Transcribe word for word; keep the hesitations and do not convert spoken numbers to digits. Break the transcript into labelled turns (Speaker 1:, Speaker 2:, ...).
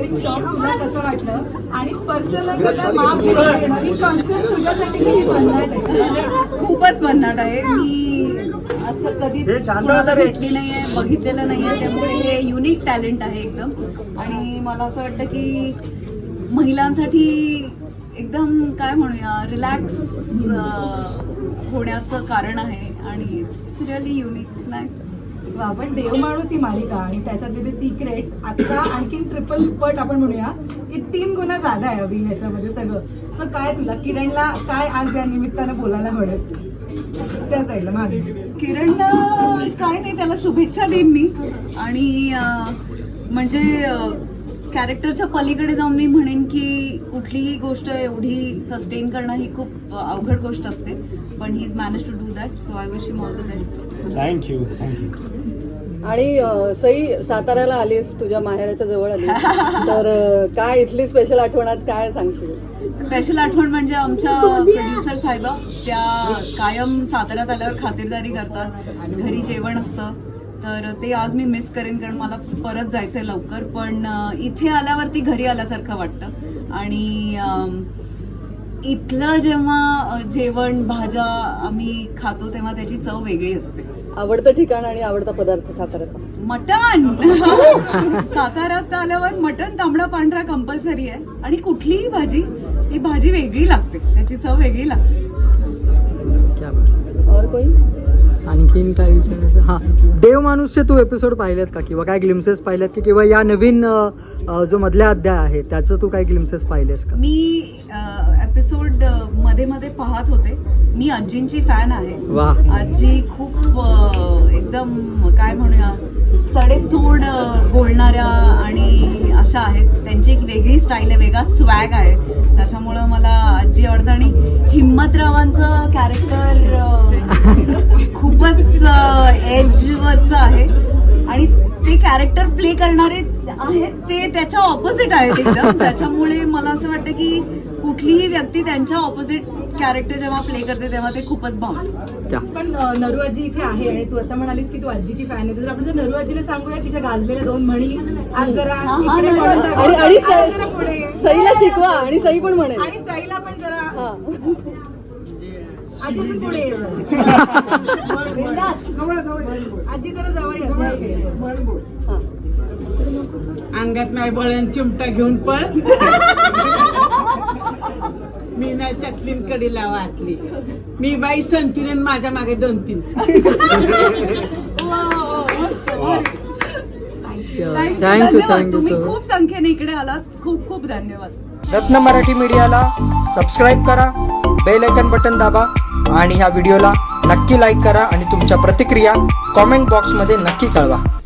Speaker 1: Shock तुला कसं वाटलं आणि स्पर्श न करता माप घेणं ही कॉन्सेप्ट तुझ्यासाठी किती भन्नाट आहे?
Speaker 2: खूपच भन्नाट आहे. मी असं कधीच कोणाला भेटली नाहीये, बघितलेलं नाहीये, त्यामुळे हे युनिक टॅलेंट आहे एकदम. आणि मला असं वाटतं की महिलांसाठी एकदम काय म्हणूया रिलॅक्स होण्याचं कारण आहे आणि रिअली युनिक नाईस.
Speaker 1: आपण देव माणूस ही मालिका आणि त्याच्यातले ते सिक्रेट्स आता आणखीन ट्रिपल पट आपण म्हणूया की तीन गुन्हा जादा आहे अभि ह्याच्यामध्ये सगळं. सो काय तुला किरणला काय आज या निमित्तानं बोलायला हवं त्या साईडला मागे?
Speaker 2: किरणला काय नाही, त्याला शुभेच्छा देईन मी. आणि म्हणजे कॅरेक्टरच्या पलीकडे जाऊन मी म्हणेन की कुठलीही गोष्ट एवढी सस्टेन करणं ही खूप अवघड गोष्ट असते, पण he is manage to do that. So I wish him all the best.
Speaker 3: Thank you thank you.
Speaker 4: आणि सई साताऱ्याला आलीस, तुझ्या माहेराच्या जवळ आली, तर काय इथली स्पेशल आठवण आज काय सांगशील?
Speaker 2: स्पेशल आठवण म्हणजे आमच्या प्रोड्युसर साहेबा, त्या कायम साताऱ्यात आल्यावर खातिरदारी करतात, घरी जेवण असतं, तर ते आज मी मिस करेन कारण मला परत जायचंय लवकर. पण इथे आल्यावरती घरी आल्यासारखं वाटतं. आणि इथलं जेव्हा जेवण भाज्या आम्ही खातो तेव्हा त्याची चव वेगळी असते.
Speaker 4: आवडतं ठिकाण आणि आवडता पदार्थ साताऱ्याचा?
Speaker 2: मटण. साताऱ्यात आल्यावर मटण तांबडा पांढरा कंपल्सरी आहे आणि कुठलीही भाजी ती भाजी वेगळी लागते, त्याची चव वेगळी लागते.
Speaker 4: और कोई
Speaker 5: आणखीन काय विचारायचं? हां, देव माणूसचे तू एपिसोड पाहिलेत का किंवा काय ग्लिम्सेस पाहिलेत की किंवा या नवीन जो मधल्या अध्याय आहे त्याचं तू काय ग्लिम्सेस पाहिलेस का?
Speaker 2: मी एपिसोड मध्ये मध्ये पाहत होते. मी आजींची फॅन आहे.
Speaker 5: वा.
Speaker 2: आजी खूप एकदम काय म्हणूया सडेतोड बोलणाऱ्या आणि अशा आहेत. त्यांची एक वेगळी स्टाईल आहे, वेगळा स्वॅग आहे, त्याच्यामुळं मला आजी आवडतं. आणि हिम्मतरावांचं कॅरेक्टर खूपच एजवरचं आहे आणि ते कॅरेक्टर प्ले करणारे आहेत ते त्याच्या ऑपोजिट आहेत एकदम. त्याच्यामुळे मला असं वाटतं की कुठलीही व्यक्ती त्यांच्या ऑपोजिट कॅरेक्टर जेव्हा प्ले करते तेव्हा ते खूपच भावतं.
Speaker 1: पण नरू आजी इथे आहे आणि तू आता म्हणालीस की तू आजीची फॅन आहे, तर आपण जर नरू आजीला सांगूया तिच्या गाजलेल्या दोन म्हणी आज जरा इकडे वळून
Speaker 4: आणि आणि
Speaker 1: जरा पुढे.
Speaker 4: सईला शिकवा आणि सई पण म्हणेल
Speaker 1: आणि सईला पण जरा
Speaker 4: हा.
Speaker 1: आजी अजून पुढे ये. आजी जरा जवळ ये.
Speaker 4: हा.
Speaker 6: अंगात नाही बळण चिमटा घेऊन पळ. मी नाही त्यातलीन कडीला वाटली, मी बाई संतीन माझ्या मागे दोन तीन.
Speaker 5: थँक्यू थँक्यू
Speaker 2: तुम्ही
Speaker 5: सो
Speaker 2: खूप संख्येने इकडे आलात, खूप खूप धन्यवाद.
Speaker 7: रत्न मराठी मीडियाला सबस्क्राईब करा, बेल आयकन बटन दाबा आणि ह्या व्हिडिओला नक्की लाईक करा आणि तुमच्या प्रतिक्रिया कॉमेंट बॉक्समध्ये नक्की कळवा.